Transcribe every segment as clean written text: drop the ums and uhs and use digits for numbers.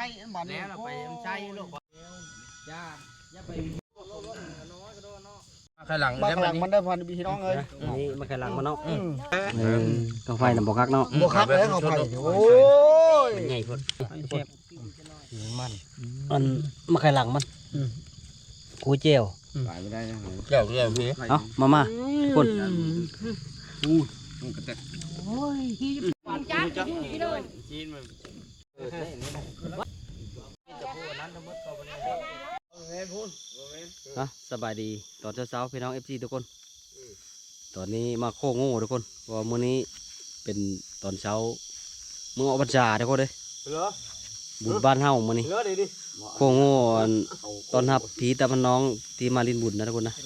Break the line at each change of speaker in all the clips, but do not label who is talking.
บ้านนี้เราไปใช้ลูกย่าไปข้างหลังมันได้พันพี่น้องเลย
นี่มาข้างหลังมันเนาะกาไฟน่ะบ่คักเนาะ
บ่คักเลยเขาไฟโอ้ย
ใหญ่พุ่นมันมาข้างหลังมันกูเจียว
ไปไม่ได้เจียวพี่
เอามาพุ่นสบายดีตอนเช้าพี่น้อง FC ทุกคนตอนนี้มาโค้งโง่ทุกคนว่ามื้อนี้เป็นตอนเช้ามื้อออกพรรษาทุกคนเลยบุญบ้านเฮามื้อนี้โค้งโง่ตอนรับผีตาพันน้องที่มาลินบุญนะทุกคนนะ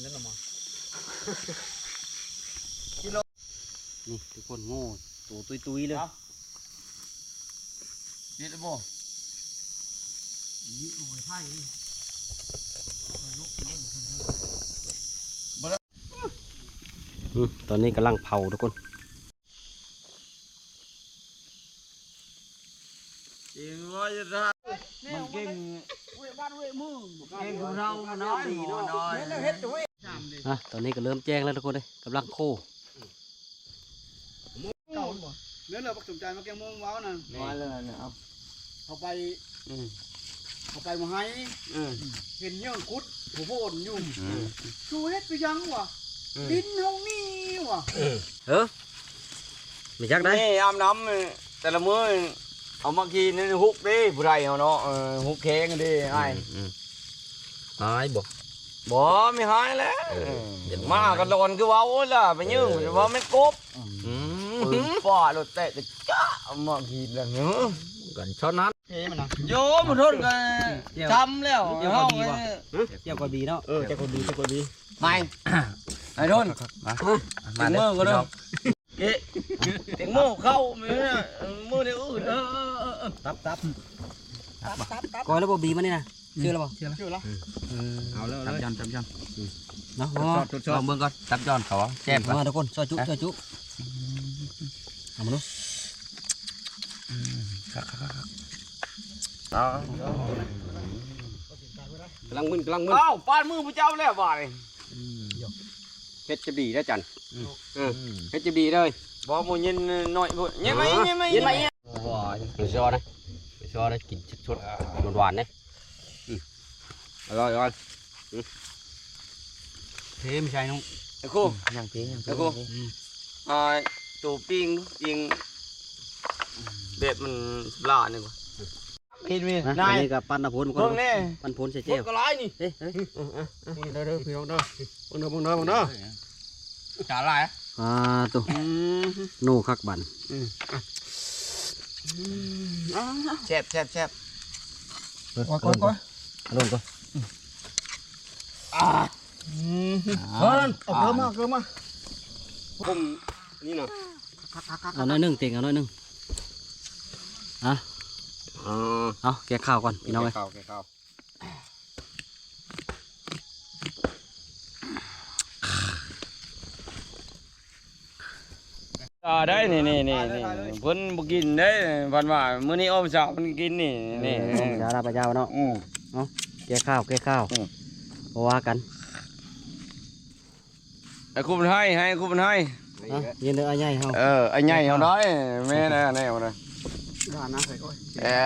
นี่ทุกคนโง่ตัวตุยเลย
นี่ละบ่นี่โอ้ยไผ่
ตอนนี้กำลังเผาทุกคน
จริงว่าจะได้มันเก่งบ้านเว้ยมือเก่งของเราน้อยดีน้อย
ตอนนี้ก็เริ่มแจ้งแล้วทุกคนเลยกำลังโค
เนื้อเราปักสนใจมาแกงม่วงว้าวนั่นมาเลยเนี่ยเอาไปมาให้เห็นเยื่อคุดหัวโผล่ยุ่งชูเฮ็ดไปยังวะดินห้องนี่วะ
ไม่จักได้
นี่อาบน้ำแต่ละมื้อเอามากินนี่ฮุกดิผู้ใดเอาเนาะฮุกแข็งดิไอ้
หายบ่
ไม่หายแล้วมากันโดนคือว้าวล่ะไปยืงว่าไม่กบป่ารถเตะจ้ามากินแล้วเนาะ
กันช้อนนั้น
โยมันทนกันทำแล้ว
เจ้าก็ดีเนาะเจ้าก็ดี
ไม่ไอ้ทนมาเมื่อก็ได้เก๊ะเต็งโม่เข้ามือเดี๋ยวอื่น
ตับก้อยแล้วบ่บีมันนี่นะเชื่อแล้วบ่
เอาแล้วจับจอน
เนาะ
ลองเบิ่งก่อนจับจอนเขาแซ่บ
มาทุกคนซอยจุเอามาดูกำลังมึน
เอ้าปานมือพระเจ้าแล้วบ่าย
เพชรจะดีได้จันเพชรจะดีเลย
บ่หมูยินหน่อยบ่ยังไง
ว้าไปซอนะกินชดหวานเนี่ยอร่อยเทไม่ใช่น้อง
ไอ้คู่ไอ้คู่ตัวปิ้งเด็ดมันลาเนี่ยกว่ากินมี
นายกับปั้นพลก็ปั้นพลใส่เจ้า
ก็ร้ายนี่
เฮ้ย
เด้อพี่น้องเด้อจ่าลาย
ตัวโน่คักบัน
แซ่บก้อย
ลงก่อน
เอาเกลือมาผมนี่นะ
เอาหน่อยนึงเต่งเอาหน่อยนึงเอาแกะข้าวก่อนพี่น้องเลย
ได้นี่เพิ่นบ่กินได้พันว่ามื้อนี้อ้อมสาวมันกินนี่
ยาลาปลาเจ้าเนาะแกะข้าวเพราะว่ากัน
ไอ้คู่มันให้คู่มันให้
ยืนเด้อไอ้ใหญ่เฮา
ไอ้ใหญ่เฮาน้อยแม่น่ะแนวน่ะด้านนะใส่ก้อย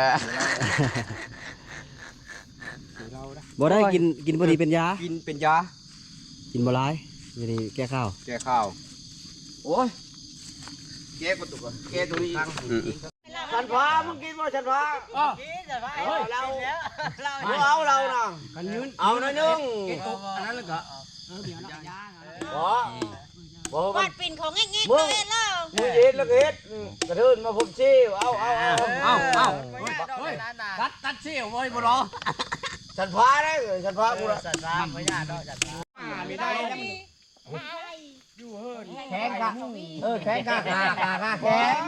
บ่ได้กินพอดีเป็นยา
กินเป็นยา
กินบ่หลายนี่แกะข้าว
โอ้ยแกะประตูก่อนแกะตัวนี้ฉันฟ้ามึงกินบ่ฉันฟ้ากินฉันฟ้าเราน่ะเอาหน่อยนึงอันนั้นเลยก็
วัดปิ่นของแง่ๆเลยเล่า
มือเย็ดแล้วเฮ็ดกระเทินมาผมเชี่ยวเอาตัดเชี่ยวไว้บ่รอฉันฟ้าได้ฉันฟ้ากูละ
ฉันฟ้าไม่ยากดอกฉันฟ้า
ไม่ได้แข็งกะแข็งกะแข็ง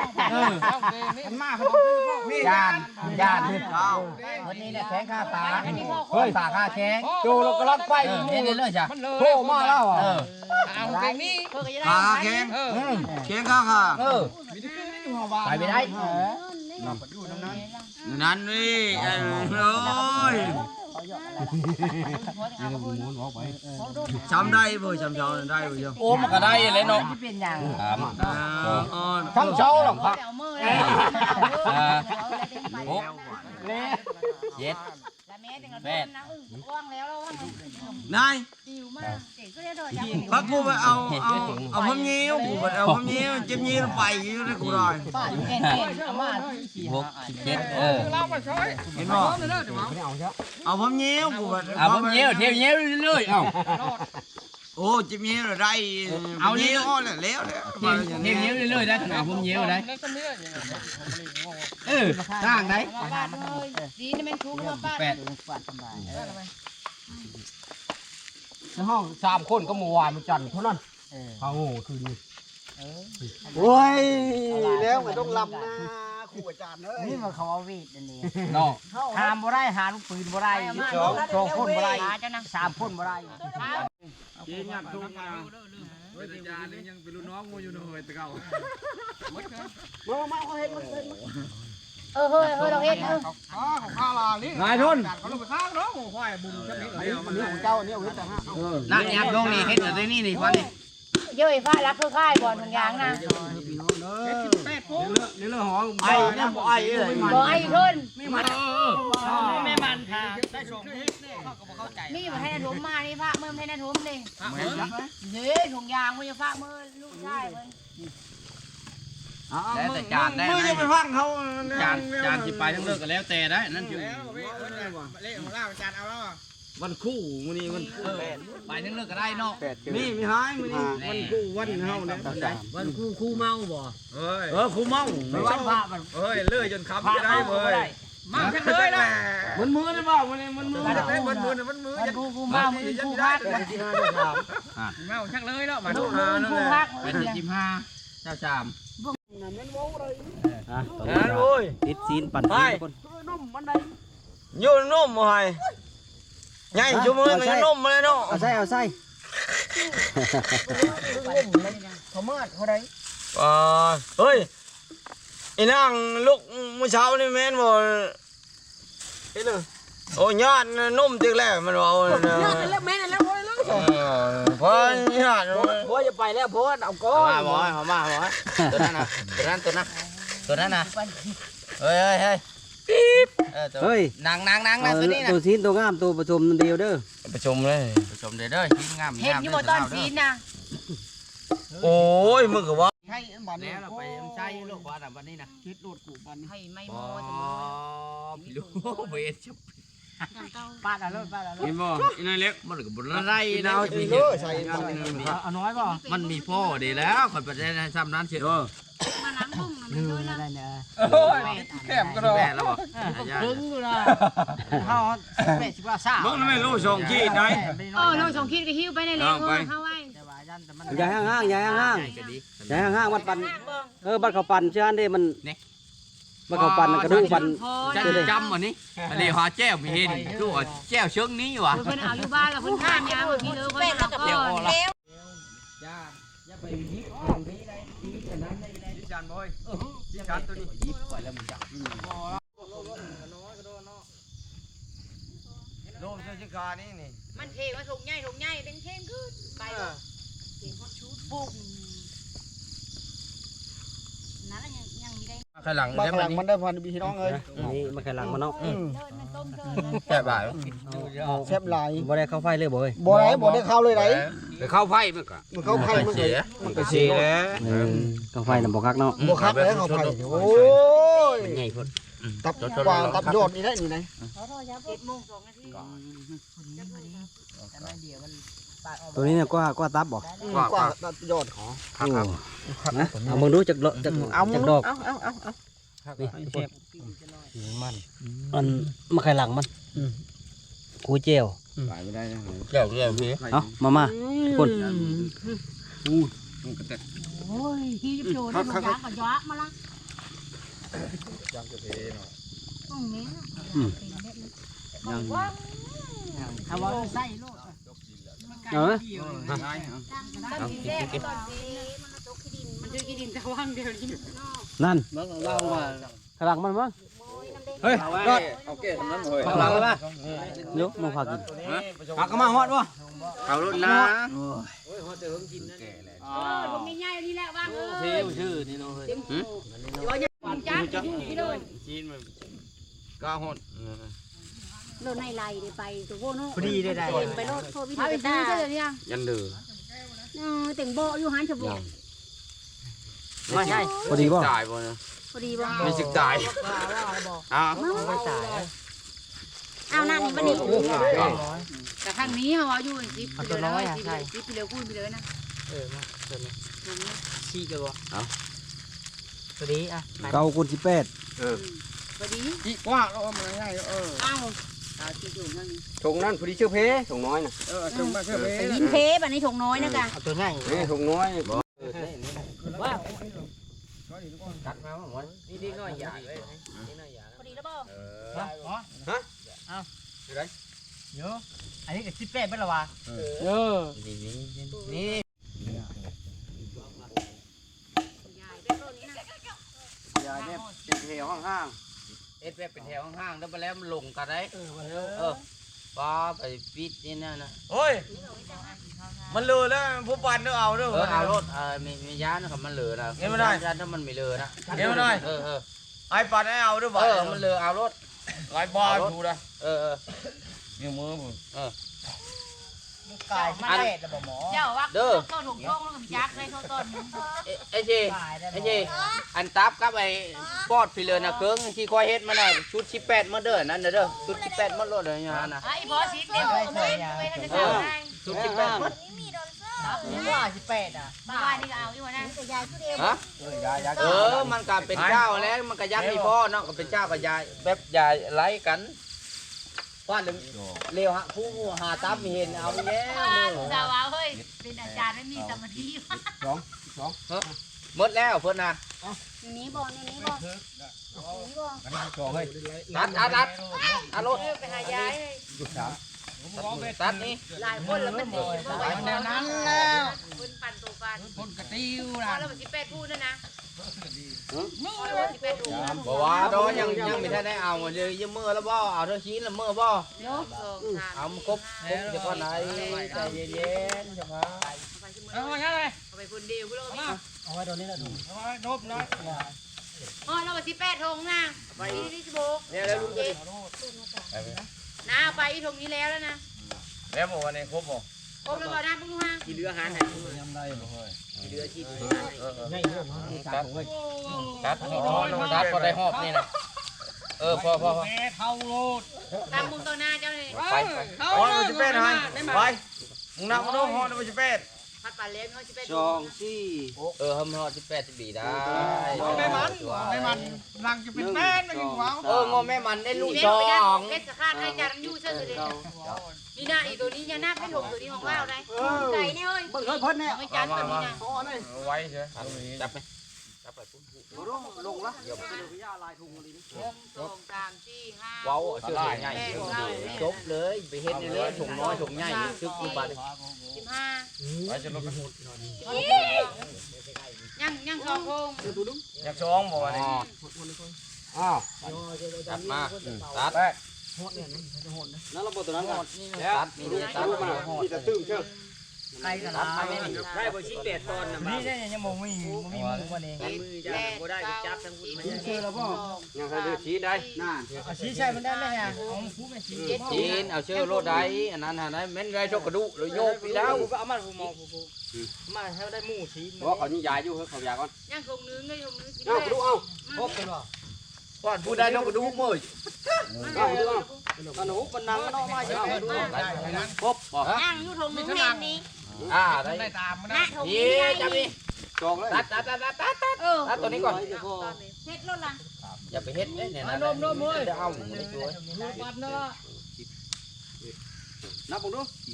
ยานวันนี้เนี่ยแข็งข้าตาเฮ้ยตาข้าแข็งโจเรากำลังไปนี่เลยจ้ะโผล่มาแล้วเอาแข็งนี่ขาแข็งแข็งข้าไปไม่ได้
นั่นนี่โอ้ยจำได้บ่จำเช้าได้บ่ยังโอ้มันก็ได้เลยเนาะ
ที่เป็นอย่าง
ทั้งเช้าหรอกครับ
เอามือ
หกเจ็ด
ละแม่เป็นกระตุ้นนะว่างแล้วแล้วว่าง
นาย
ดิวมากเด็กก็ได้โดดจับ
พักกูไปเอาผมยิ้วกูไปเอาผมยิ้วจิ้มยิ้วไปอยู่ในกูหน่อย
ป้าอยู่เก่งเอามาที่
6 7เห็นบ่เอาผมยิ้วกูไป
เอาผมเยี่ยวเที่ยวเยี่ยวเรื่อยๆเอา
โอ้จิ้มยิ้วได้เอายิ้วแล้ว
เที่ยวเยี่ยวเรื่อยๆได้เอาผมเยี่ยวได้สร้างได้
ป้าเลยดีนี่มันคุ้มมาป้า
ในห้อง3 คนก็เมื่อวานมันจันทร์เท่านั้นเขาคืนนี้
โอ้ยแล้วมันต้องลำนะครูอาจารย์เอ้ย
นี่มันเขาเอาวีดอันนี้
เนาะ
หามบ่ได้หาลูกปืนบ่ได้2 คนบ่ได้3 คนบ่ได้
กินยับทุกนะเฮ้ยอาจารย์นี่ยังเป็นลูกน้องกูอยู่เลยตะเก่า
มาเขาเห็นมันเป็น
เฮ้ยเราเฮ็ด
ข้าลานี่
นายทุน
เขาลงไปข้างเนาะควายบุญชักนี้นี่ของเจ้าเนี่ยเว้ยแต่ห้า
นั่งยับลงนี่เฮ็ดอะไรนี่นี่ฟันนี่
เยอะฟ้ารักคือค่ายบ่อนทุกอย่างนะ
นี่เรื่องหอ
ไอ้เนี่ยบ่ไอ้เลย
บ่ไอ้ทุน
ไม่มันค่ะ
ได้ส่งให้เนี่ยเขาก็บอกเข้าใจ
นี่มาให้ถุมมานี่พระเมื่อให้ถุมนี่เด้ถุงยางมันจะพระเมื่อลูกชายมัน
แล้วแต่จานได้
มึง
ไหม
จะไปฟังเขา
จานที่ไปทั้งเลิกกันแล้วแต่ได้นั่นอยู่
เละของเราอาจารย์เอาแล้ว
วันคู่มื้อนี้วันคู่
ไปทั้งเลิกก็ได้เนาะ
นี่มีหายมื้อนี้วันคู่วันเฮาเนี่ย
วันคู่เมาบ่
เอ้ยคู่เมา
วันพระมัน
เอ้ยเลื่อยจนค้ำจะได้เว้ย
มาทั้งเลยนะ
มันมือได้บ่มื้อนี้มันมือได้มันมือมันมือ
วันคู่มามันคู่พัก
เมาทั้งเลยแล้วมา
คู่คู่พัก
เป็น15เจ้าจาม
นั่นโอ้ย
ติดซีนปั่นซีนทุกคน
อยู่นุ่มบ่ให้ใหญ่ชั่วโมงก็นุ่มมาเลยเนาะ
เอาใส่เอาใส่
เขาเมื่อเขาได้
เฮ้ยไอ้นางลูกมื้อเช้านี่แม่นบ่เฮ็ดเลยโอ้ญาตินุ่มตึกแล้วมันว่าญาติแล้วแม่นแล้วบ่เลยพอญาติ
พ่อจะไปแล้วพ่อเอาก้อน
มาบ่ตัวนั้นน่ะตัวนั้นน่ะเฮ้ย
เฮ้ย
นางนะตัวนี้นะ
ตัวซีนตัวงามตัวผสมเดียวเด้อ
ประชุมเลย
ชมเด้อทิ้งงาม
เห็นอยู่บนต้นซีนนะ
โอ้ยมึงก็ว่า
ใช่บัน
แล้วเราไปใช้ลูกว่าวันนี้นะ
คิดโดดกูบัน
ให้ไม่
อ๋
โม
อพี่ลูกเวทชุบ
ป้าละเลยป้าละเลย
เห็นบ่อีนายเล็กมันก็บ่ไรนะ
ใส่
เอาน้อยป่ะ
มันมีพ่อดีแล้วคนประเทศซ้ำนั้นเชียว
มาล้างบุ้งมันด้วยนะได้เนี่ย
แคบก็ได้
แม่แล้วบ่
ดึงอยู่นะเขาแม่ชิว่าซ่า
มึงไม่รู้ส่งขี้ไหน
เราส่งคิดกับฮิวไปในเล็กเข้าไว้
อย่าห่างๆอย่าห่างๆอย่าห่างๆวัดปั่นบัดเขาปั่นเชื่ออันเด้มันบัดเขาปั่นกระดูกปั่น
จะจำอันนี้อันนี้หาแจ้วมีเห็นคือว่าแจ้วเชิงนี้ว่ะ
เพิ่นเอาอยู่บ้านแล้วเพิ่นข้ามยามพี่เลยเพิ่นเอาก่อนแล้ว
จานบอยจานตัวนี้ยิบไปแล้วมึงจับโดมเจ้าชิกานี่นี่
มันเทว่าถุงใหญ่เป็นเท่งขึ้นไปเก่งคนชุดบุ้งนั่นยังมีได้
ข้างหลัง
บาง
แล้ว
ห
มั
ลั
น
งมันได้พันพี่น้องเอ้ย
นี่มันแค่หลังมันเนาะ
เลิศมันต้มเลิศ
แค่บ่าย
แซ่บหลาย
บ่ได้เข้าไฟเลยบ่เอ้ย
บ่ได้บ่ได้เข้าเลยไหน
ไปเข้าไพ่มันก็
มันเข้าไข่มัน
เสีย
มันก็สีแล้ว
เข้าไฟน่ะบ่คักเนาะ
บ่คักแล้วเข้าไข่โอ้ย
ใหญ่พุ่น
ตับกวางตับยอดนี่ได้นี่ไหน
7:02 นาที
ตัวนี้เนี่ยกว่าตับบ่
กวางตับยอดขอ
โอ้นะเอามึงดูจักดอกจักดอก
เอา
นี่มันมาไข่หลังมันกูเจียว
ไปไม่ได้นะ
เดี๋ยวพี่
เอามาคน
โอ้ยที่จะโดนมันยากกับยากมาละ
จังจะเทเนาะ
ตรงนี้ว่าเอาว่าใส่ลูก
เออ
ตั้งทีแรกตอนนี้มันตกขี้ดินมันจะขี้ดินแต่ว่างเดียวนี้
นั่น
เบิ่งเล่าว่า
ไข่หลังมันมั้ง
โอ้ยน้ำเด้ง
เฮ้ยรอด
โอเคทำนั้นเลย
ข้างหลังเลยป่ะ
เดี๋ยวมาพากิน
หักก็มาฮอดวะ
เอารถนะ
ผมมีง่ายนี่แหละว่างเออ
ชื่อนี่เนาะเฮ้ย
จ้าพี่โดน
จีนมันก้าหด
โดนในไรไปตัวโบโน่
พอดีได้ได้
ไปโลดโทรวิธีไปตาเดี๋ยว
ยันเดือ
แต่งโบอยู่หันฉบุ
ไม่ใช่
พอดีบ่
จ่ายบ่นะ
พอดีบ่
มีสิจ่ายอ้าว
ไม่จ่าย
เอาหน้านี้มันนี่แต่ข้างนี้เขาอยู่จิ๊บไปเลยจิ๊บไปเลยพูดไปเลยนะ
ชี้กันบ่
เอา
พอดีอ่ะ
เก้าคน18
พอดี
จี้กว้างแล้วมันง่าย
เอาเอาที่อยู่ข้างนี้
ถุงนั้นพอดีชื่อเพถุงน้อยน่ะถุงมาชื่อเพ
ไปยินเพแบบนี้ถงน้อยนะกะ
เอาตัวง่ายนี่ถุงน้อยบ่ว่าตัดมาหมดนี่น้อยใหญ่เลยนี่น้อยใหญ่
พอดีแล้วบ่
ฮะเอาอยู่ไหนเยอะอันนี้ก็18เป็นละวะนี่
ยายเป็นต้นนี้นะ
ยายเนี่ยเป็นแถวห้าง
เอ็ดแบบเป็นแถวห้างๆแล้วไปแล้วมันลงกันได้ป้าไปปิดนี่นั่นนะ
โอ้ยมันเลือแล้วผู้ปันต้องเอาด้วย
เอารถมียานะครับมันเหลือนะยาถ้ามันไม่เหลือนะไอ้ปันให้เอาด้วยบ่มันเหลือเอารถ
ไล่บอลดูนะ
นิ้วมือผม
กายมาเด็ดแล้วบ่หมอเจ้าว่าต้นถงช่องแล้วก็ยักษ์ให้เขาต้นนึง
ไอ้เจอันตับกับไอ้ปอดฟิเลนะเครื่องที่คอยเฮ็ดมาน่ะชุด18มาเด้อนั่นเด้อชุด18มาโลดเลยนะ
ไอ้บอสเต็มไม่ทันจะเข้าได้
ชุด18
ว่า18อ่ะบ้านนี่ก็เอาอยู่นะแต่ยายคือเดียว
ฮะมันก็เป็นเจ้าแล้วมันก็ยักษ์มีพ่อเนาะก็เป็นเจ้ากับยายแบบยายไล่กันว่าเร็วฮะผู้หาตับมีเห็นเอาไปแล้ว
สาวเฮ้ยเป็นอาจารย์ไม่มีสมาธิ
หมดแล้วเพิ่นน่ะ
นี้บ่นี้บ่นี้บ่
ตัดรถ
ไปหายาย
ตัดนี่
หลายคนแล้วมันดีบ่ไหวนั้นแล้วคนปั่นตัวปั่นคนกระติ้วนะแล้วมัน18พูดนะ18พูด
บอกว่าดอยังมีท่านได้เอาเลยยืมมือแล้วบ่เอาเท่าชิ้นละมือบ่
ยก
เอามาครบเฉพาะไหนใจเย็นๆเฉพาะ
เอาไปคนเดียวกูแล้วก็มี
เอาไว้ตรงนี้ละถุง
อ๋อเราไป18ธงนะไปที่16
เนี่ยแล้วลูกเจ๊
นะไปอีธงนี้แล้วนะ
แล้วบอกวันนี้ครบบ่
ครบแล้วบ่นะปุ๊กฮะ
กินเรือหานให้ยังได้บ่เฮ้ยกินเรือชีพตัดพอได้หอบนี่นะพอ
ตามมุมตัวหน้าเจ้าเลย
ไป
ฮอนมันจะเป็ดให้ไปมึงนับมาดูฮอนมันจะเป็ด
พัดป่าเลี้ยงเขา18
ทำหอด18 ปีได้
ไม่มันรังจะเป็นแม่นไม่กินว้าว
งอแม่มันได้ลูก
เล่
ส
น
อ
ไปได้
ง
เล่นสะคาดให้จานยู่เชื่อเลยนี่นะอีตัวนี้ยังน่าให้ถงตัวนี้ของเราได้ไก่เนี่ยเฮ้ย
เบิ่งเพิ่นเนี่ย
ไม่จานตัวนี้นะ
อ๋อนี่
ไว้ใช่
จับไปจับไป
ลงละ
เดี๋ยว
ไปดูพิยาลายทุงอะไรนี่
1 2 3 4 5
ว้าวเสื้อใหญ่จบเลยไปเฮ็ดในเรือถุงน้อยถุงใหญ่ซึกอยู่บาด
15
ไว้จะลด
ยัง2ธง
อยากช้องบอกวันนี้
ตัดมาตัด
นั่นระบบตัวนั้นก่อน
ตัดนี่ตัดมา
มีแต่ตื้มเชื่อ
ใครกันมาไม่นี่ใครบ่ชี้เป็ดตอนน่ะนี่ได้ยังบ่มีมือว่านี่มือจะบ่ได้ก็จับทั้งคุณมัน
เชื่อแล้วบ่
ยังใครดูชี้ได้
น่า
ชี้ใช่มันได้ไหมฮะของผู้แม่ชี้จีนเอาเชื่อโลดได้อันนั้นหาได้แม่นไรชกกระดูเลยโยกไปแล้วเอามาผู้มองผู้มาให้ได้หมู่ชี้
ว่าเขานี่ยายอยู่เขายาก่อน
ยังธงนึงเลยธงนึงกิน
เอาดูเอา
พบกันบ่ก่อนผู้ใดนกกระดูมื้อ
เอาดูเอาตอนหูมันนั่งนอกมาจะเอาดู
พบบ่
ยังอยู่ธงนึงแม่นี้
ได้
นะธง
นี่
นี้
จับนี่
จองเลย
ตัดตัดตัวนี้ก่อน
เฮ็ดรถล่ะ
อย่าไปเฮ็ดเนี่ยนะจะเอาหมูในตัว
นับผมดู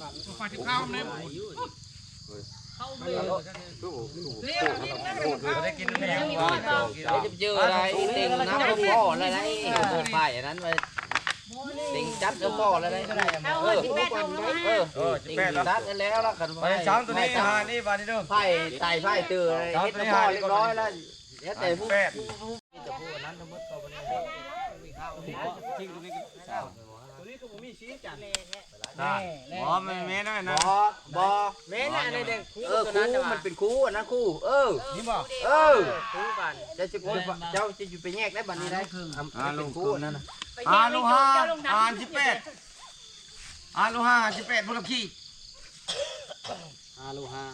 ได้กินแพง
จะเจออะไรเต็งน้ำพ่ออะไรนะป้ายอันนั้นไปเต็งจัดกับพ่ออะไรนะ
เอาเฮ้ย18ธงนะ
เต็งจัดแล้วละกัน
ไปช้างตัวนี้หานี่บานี่เด้อ
ไผ่ไต่ไผ่ตื่นเฮ็ดกับพ่อเรียบร้อยแล้วแต่ผู้
เป็ด
นั้นทั้งหมดก็บ่ได้
ตัวนี้ก็บ่มีสีจัน
อ๋อมันแม่นั่นนะ
บ่แม่น่ะในเด็กคู่มันเป็นคู่อันนั้นคู่นี่บ่คู่กันจะสิเจ้าจะอยู่ไปแยกได้บัดนี้ได้เป็นคู่นั่นน่ะ
ลูก518ลูก5 18พลขี้
ลูกห้า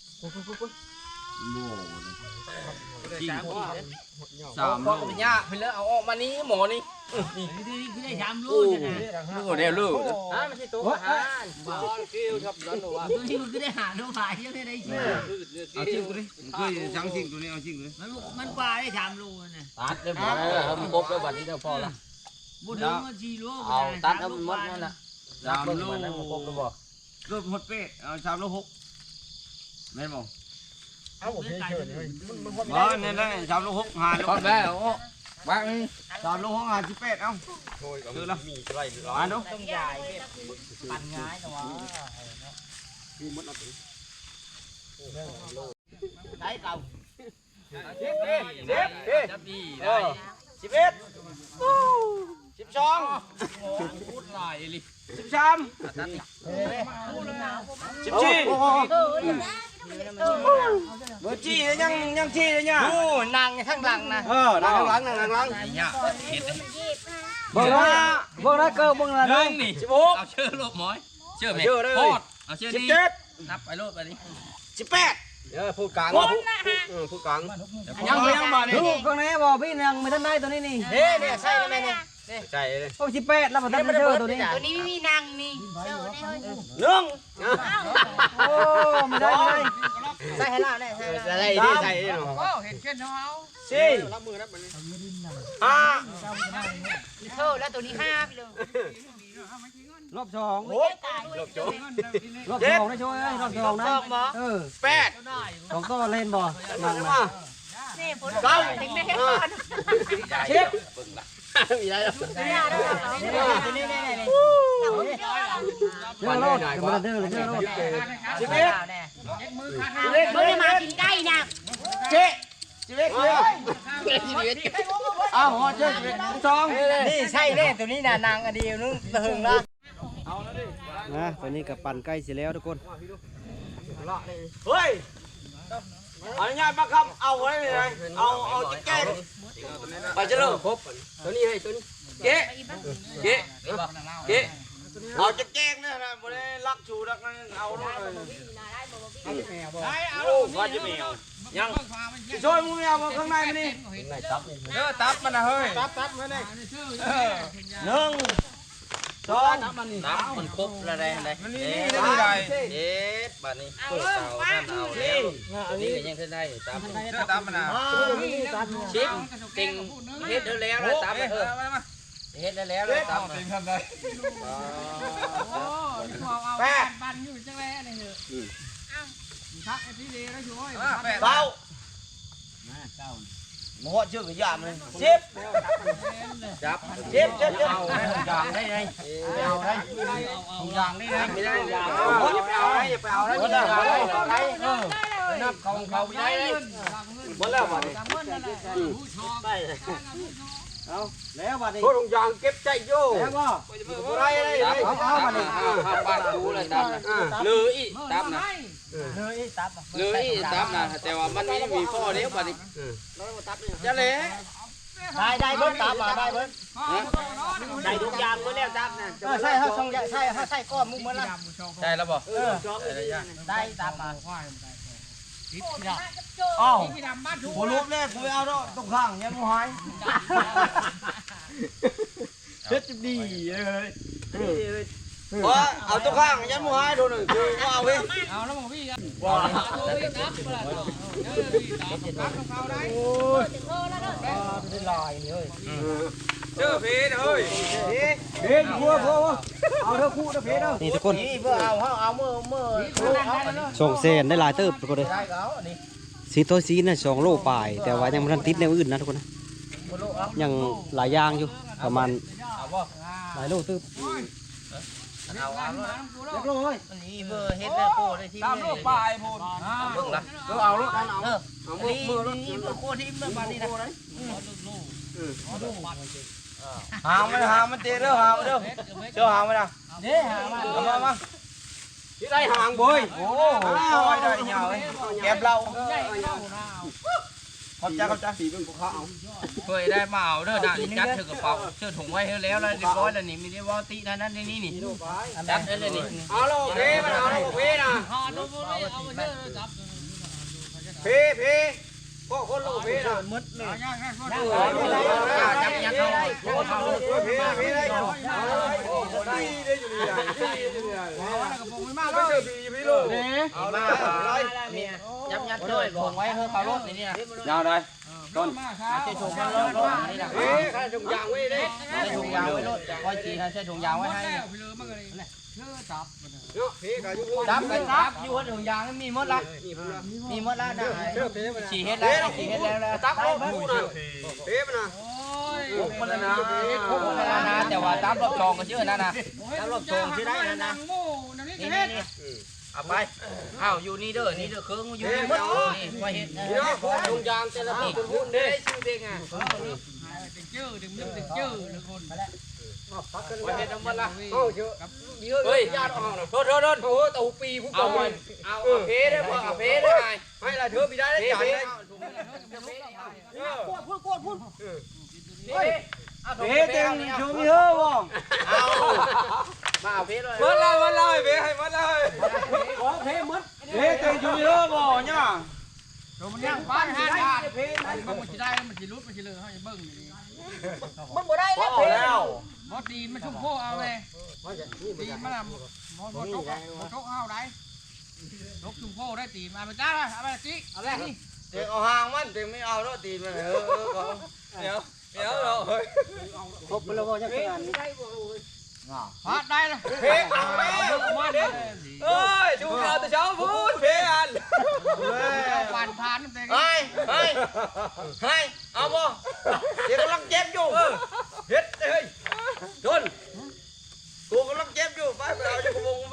3พ่อเป็นย่าเพิ่นแล้วเอาออกมานี้หมอนี่นี่คือได้3ลูกลูกเดียวลูกมันสิตัวอาหารบ่คิวครับนั่นว่าตัวนี้มันคือได้หาลูกหายยังได้ชื่อ
เอาจริงกูดิเคยจังจริงตัวนี้เอาจริงเลย
มันปลาได้3ลูกน่ะตัดได้บ่มันครบแล้วบัดนี้เจ้าพอละบ่ถึงมัน4ลูกเอาตัดเอาหมดนั่นน่ะ3ลูกมันครบแล้วบ่
รถหดเป๊ะเอา3 โล 6แม่นบ่เอาบ่เฉยเลยบ่นี่ได้3 โล 6 5 โล
พอแล้ววาง
3 โล 6 5 18เอาคือละมีไรร้านเนาะ
ต้องใหญ่ปั่นง่ายแต่ว่าได้เก่าจับดีได้11 12พูดหลายเลย13 14เบอร์จี้ยังจี้เลยเนี่ยโอ้นางข้างหลังนะนางข้างหลังเนี่ยเบิ่งนะเกิดเบิ่งนะนึงนี่16เอาเชื่อโลบหมอยเชื่อไหมโคตรเอาเชื่อดีนับไปโลบไปนี่18พูดกลางพูดกลางยังบ่นี่ลูกข้างในบ่พี่ยังไม่ทันได้ตัวนี้นี่เนี่ยใช่ไหมนี่ใช่เลยโอ้18แล้วบ่ทันได้เจอตัวนี้
ตัวนี้ไม่มีนางนี่เจ้าได้เฮ้ย
1โอ้ไม่ได้ใส่ให้ล่ะได้ใส่ดิใส่ดิโอ้เห็นเช่นเฮา4รับมือรับมัน5
เธอแล้วตัวนี้5ไปเลย
รอบ2
ลบจบ
รอบ2ได้ช่วยรอบ2นะ
8
2ก็เล่นบ่นั่งมา
นี่ฝนตกเด็กไม่ให้ก่อน
ชิปมีอะไรแล้ว
ตัวนี้นี่
เจอรถจะมาเด้อเลยเจอรถ
ชีวิต
เมื่อมากินไก่นะ
ชีวิตอ้าวเจอชีวิต2นี่ใช่เล่ตัวนี้น่ะนางอดีนึงตะหึงละ
นะตอนนี้กับปั่นใกล้สิแล้วทุกคน
เฮ้ยอนุญาตมาคำเอาไว้เลยเอาจิ๊กแก้ไปเจริญครบตัวนี้ให้ตัวนี้เก๊เอาจิ๊กแก้เนี่ยนะบ่ได้รักชูรักนั่นเอาด้วยโอ้ว่าจะแมวยังช่วยมึงเอาข้างในมันนี่ตับมันนะเฮ้ยตับมันนี่1 2ตับมันครบแล้วได้มันนี่ได้บัดนี้เปิดเตาท่านเอาแล้วอันนี้ยังขึ้นได้ตับมันนะชิปติงเฮ็ดแล้วนะตับเฮ็ดแล้วเลยตับติงทำได้แปดบันอยู่จังเลยอะไรเหรอทักไอ้พี่เลแล้วช่วยเต้าหมดชื่อกระยามเลยชิปจับชิปเอาอย่างได้ไงเอาได้อย่างได้ไงไม่ได้ไปเอาได้ไปเอาได้ไม่ได้นับเขาไม่ได้เลยหมดแล้วบัดนี้เอาแล้วบัดนี้โคตรยางเก็บใจโย่แล้วก็อะไรเอาบัดนี้บ้านกูเลยตับเลยอีตับนะเลยอีตับนะแต่ว่ามันมีพ่อเดียวบัดนี้จะเละได้เบิ้ลตับมาได้เบิ้ลได้ทุกอย่างเบิ้ลแล้วตับนะใช่เขาใช่ก้อนมุกมันละใช่แล้วบ่ได้ตับมาอ้าวผมลุกแน่ผมเอาแล้วตรงข้างยังไม่หายเช็ดดีเลยเอาตรงข้างยังไม่หายโดนหนึ่งคือเอาไปเอาแล้วมองพี่กันว้าเป็นลายนี่เฮ้ยเจอเพชรเฮ้ยเพชรพัวเอาเถอะคู่เถอะเพชรเถอะ
นี่ทุกคน
นี่เพื่อเอาเมื่อ
ส่งเซนได้หลายเติบทุกคนเลยสีตัวสีน่ะ2 โลปลายแต่ว่ายังไม่ทันติดแนวอื่นนะทุกคนนะยังหลายอย่างอยู่ประมาณหลายโลตึบ
เรียบร้อยนี่เพื่อเฮ็ดได้โคได้ที่3 โลปลายพูนเบิ่งละเอาลูกเอามือนี่โคที่เมื่อวานนี้นะ
หางมันตีเด้อหางมันเด้อเชื่อหางมันนะมาที่ได้หางบ่อยโอ้ยได้เหนียวแก็บเราขอบใจสีเป็นพวกเขา
เคยได้มาเอาเด้อด่านี่จัดเธอกระเป๋าเชื่อถุงไว้ให้แล้วแล้วเรียบร้อยแล้วนี่มีได้ว่าตินั่นนี่นี่จัดได้เลยนี่
เอาเราเพมันเอาเราเพนะเพพวกคนเราเพนะมืดเลย
จับยัดเอา
เพได้ได้อยู่นี่ไม่เจอพี่พี่ลูกเอาละอะไร
ยับยัดเลยถุงไว้ให้เขารถนี่นะ
ยาวได้ต้น
ใช้ถุงรถนี่นะ
ข้าถุงยางไว้เด้
ใช้ถุงยางไว้รถคอยจีใช้ถุงยางไว้ให้
พี่กับยุ
จับกันจับอยู่ถุงยางมีหมดละมีหมดละนะฉีเฮ็ดแล้วฉีเฮ็ดแล้ว
ตักเอาผู้น่ะเพมันนะ
มันนะแต่ว่าจับรอบชองก็ชื่อนั่นนะจับรอบชองชื่อได้นั่นนะนี่เอาไปเอาอยู่นี่เด้อนี่เด้อเครื่องอยู่นี่หมดนี่ไว้เฮ็ด
พี่น้องถุงยางแต่ละคนหุ่นเด้
ชื่อเด็กอ่ะ
ไว้เฮ็ดน้ำมันละเอาเยอะเฮ้ยญาติเอาโทษโอ้ตู่ปีผู้กองเอาเพได้บ่เอาเพได้ไงให้ละเธอพี่ได้ได้จ่ายได้เพเต็งชูมีเฮ้อบ่เอามาเอาเพเลยหมดเลยเพให้หมดเลยเพหมดเพเต็งชูมีเฮ้อบ่เนี่ย
มันย่างบ้านห้าบาทมันจะได้มันจะรุดมันจะเลยเขาจะเบิ้งอยู่นี่
มันบ่ได้แล้ว
บอตีมันชุ่มโคเอาเลยตีมันอะบอตกเอาได้ตกชุ่มโคได้ตีมาไปจ้าเอาไปจิเอาแรกนี่
เต็งเอาหางมันเต็งไม่เอาแล้วตีมันเดี๋ยวเราเฮ้ย
ครบแล้วบ่ยังขนาดนี้พาได้เลย
เพเอาแล้วมาเด้เอ้ยดูเอาแต่เช้าพูดเพอัน
เอาผ่านผ่านนั่นเอง
เฮ้ยเอาบ่เดี๋ยวกำลังเจ็บอยู่เฮ็ดเฮ้ยโดนกูกำลังเจ็บอยู่ไปเอาจะกระวงไป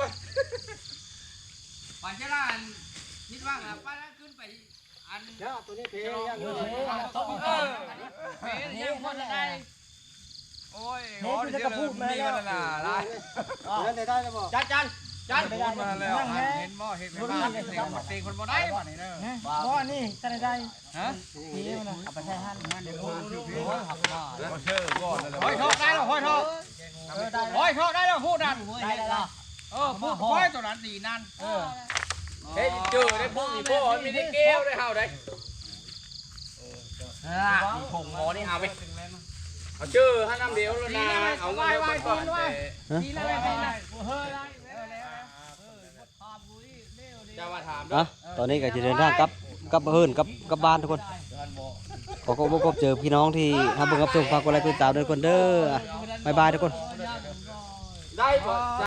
ผ่านเจ้าอันคิดว่าป้าขึ้นไปอันเจ้าตัวนี้เพย์ยังเพย์ยังพอได้โอ้ยขอเดี๋ยวมีกันน่ะได้ได้แล้วบ่จันพูดมาแล้วเห็นบ่เห็นบ้านเต็งคนบ่ได้บ่นี่เด้อบ่นี่จะได้ฮะนี่มันเอาไปใช้หั่นมันเดี๋ยวห้อยทอกได้แล้วห้อยทอกได้แล้วพูดนั่นได้แล้วพูดห้อยตัวนั้นดีนั่น
เฮ้ยเจอได้พวกนี้พวกมีได้แก้วได้เฮาได้
ถุงหมอนี่เอาไป
เอาชื่อให้น้ำเดียวแล้วนะเอาเงินไปก่อน
ดีแล้วดีแล้วเฮ้ยได้
จะมาถาม
อ่ะตอนนี้ก็จะเดินทางกลับเฮิร์นกลับบ้านทุกคนขอพบเจอพี่น้องที่ทำบุญกับชมฝากกดไลค์กดติดตามด้วยคนเด้อบ๊ายบายทุกคน
ได้